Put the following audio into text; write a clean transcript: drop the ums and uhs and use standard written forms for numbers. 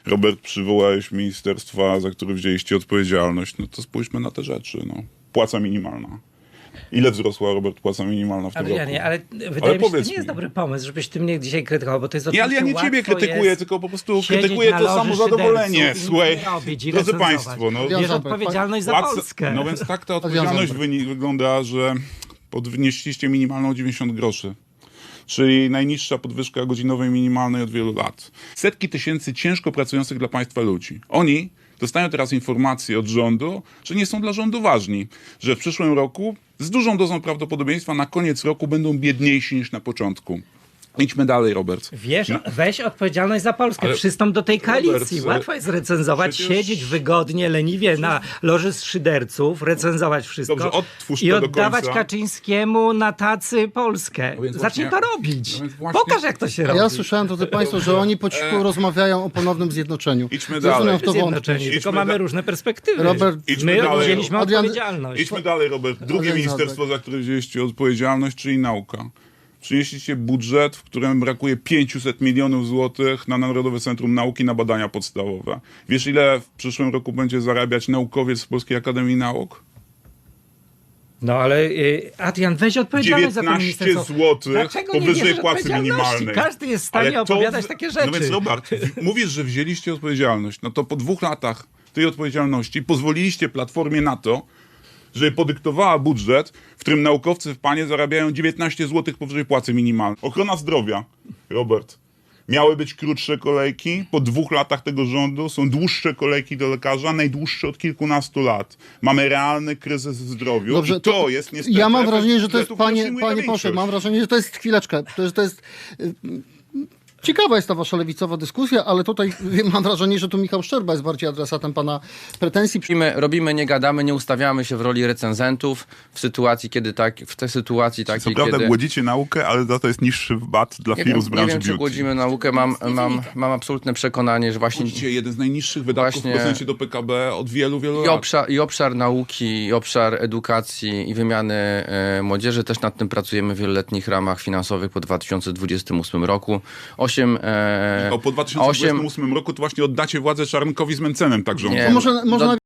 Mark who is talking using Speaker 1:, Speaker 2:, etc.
Speaker 1: Robert, przywołałeś ministerstwa, za które wzięliście odpowiedzialność. No to spójrzmy na te rzeczy. No. Płaca minimalna. Ile wzrosła, Robert, płaca minimalna w tym roku?
Speaker 2: Ale wydaje mi się, że to nie jest dobry pomysł, żebyś ty mnie dzisiaj krytykował, bo to jest
Speaker 1: Nie, ale ja nie ciebie krytykuję, tylko po prostu krytykuję to samozadowolenie. Słuchaj, drodzy państwo, no,
Speaker 2: bierz odpowiedzialność za Polskę.
Speaker 1: No więc tak ta odpowiedzialność wygląda, że podnieśliście minimalną o 90 groszy. Czyli najniższa podwyżka godzinowej minimalnej od wielu lat. Setki tysięcy ciężko pracujących dla państwa ludzi. Oni dostają teraz informacje od rządu, że nie są dla rządu ważni. Że w przyszłym roku z dużą dozą prawdopodobieństwa na koniec roku będą biedniejsi niż na początku. Idźmy dalej, Robert.
Speaker 2: Weź odpowiedzialność za Polskę.
Speaker 1: Ale
Speaker 2: przystąp do tej koalicji.
Speaker 1: Robert,
Speaker 2: Łatwo jest recenzować,
Speaker 1: przecież-
Speaker 2: siedzieć wygodnie, leniwie na loży szyderców, recenzować wszystko
Speaker 1: Dobrze, odtwórz
Speaker 2: i
Speaker 1: to do
Speaker 2: oddawać
Speaker 1: końca.
Speaker 2: Kaczyńskiemu na tacy Polskę.
Speaker 1: No więc
Speaker 2: Zacznij
Speaker 1: właśnie-
Speaker 2: to robić.
Speaker 1: no więc właśnie-
Speaker 2: Pokaż, jak to się
Speaker 3: A
Speaker 2: robi.
Speaker 3: ja słyszałem, drodzy Państwo, że oni po cichu rozmawiają o ponownym zjednoczeniu.
Speaker 1: Idźmy
Speaker 3: Zaczynam
Speaker 1: dalej.
Speaker 3: w to wątpić.
Speaker 2: Zjednoczeni, tylko
Speaker 1: Idźmy
Speaker 2: mamy
Speaker 1: da-
Speaker 2: różne perspektywy.
Speaker 3: Robert,
Speaker 1: idźmy
Speaker 2: My
Speaker 1: dalej.
Speaker 2: wzięliśmy
Speaker 3: Adrian-
Speaker 2: odpowiedzialność.
Speaker 1: Idźmy dalej, Robert. Drugie
Speaker 3: Adrian
Speaker 1: ministerstwo, za które wzięliście odpowiedzialność, czyli nauka. Przynieśliście budżet, w którym brakuje 500 milionów złotych na Narodowe Centrum Nauki na badania podstawowe. Wiesz, ile w przyszłym roku będzie zarabiać naukowiec z Polskiej Akademii Nauk?
Speaker 2: No ale Adrian, weź odpowiedzialność za to
Speaker 1: 19
Speaker 2: ministerstwo.
Speaker 1: złotych
Speaker 2: Dlaczego nie
Speaker 1: powyżej
Speaker 2: bierzesz
Speaker 1: płacy
Speaker 2: odpowiedzialności?
Speaker 1: minimalnej.
Speaker 2: Każdy jest w stanie
Speaker 1: Ale to
Speaker 2: opowiadać takie rzeczy.
Speaker 1: No więc Robert, mówisz, że wzięliście odpowiedzialność. No to po 2 latach tej odpowiedzialności pozwoliliście Platformie na to, żeby podyktowała budżet, w którym naukowcy w panie zarabiają 19 zł powyżej płacy minimalnej. Ochrona zdrowia, Robert. Miały być krótsze kolejki, po 2 latach tego rządu są dłuższe kolejki do lekarza, najdłuższe od kilkunastu lat. Mamy realny kryzys w zdrowiu.
Speaker 3: Dobrze,
Speaker 1: I to jest niestety
Speaker 3: ja mam
Speaker 1: efekt
Speaker 3: wrażenie, że to jest,
Speaker 1: budżetu, który
Speaker 3: panie
Speaker 1: przyjmuje ta
Speaker 3: poseł,
Speaker 1: większość.
Speaker 3: mam wrażenie, że to jest, chwileczkę, to jest ciekawa jest ta wasza lewicowa dyskusja, ale tutaj mam wrażenie, że tu Michał Szczerba jest bardziej adresatem pana pretensji.
Speaker 4: Robimy, nie gadamy, nie ustawiamy się w roli recenzentów w sytuacji, kiedy w tej sytuacji
Speaker 1: Co
Speaker 4: takiej,
Speaker 1: prawda
Speaker 4: kiedy...
Speaker 1: głodzicie naukę, ale za to jest niższy VAT dla
Speaker 4: Nie
Speaker 1: firm
Speaker 4: wiem,
Speaker 1: z branży
Speaker 4: nie wiem, czy
Speaker 1: beauty.
Speaker 4: głodzimy naukę. Mam absolutne przekonanie, że właśnie
Speaker 1: Głodzicie jeden z najniższych wydatków
Speaker 4: Właśnie-
Speaker 1: w procencie do PKB od wielu, wielu lat.
Speaker 4: i obszar nauki, i obszar edukacji i wymiany młodzieży. Też nad tym pracujemy w wieloletnich ramach finansowych po 2028 roku.
Speaker 1: Po 2028 roku to właśnie oddacie władzę Czarnkowi z Mencenem tak rządzą.
Speaker 4: Nie,
Speaker 3: To może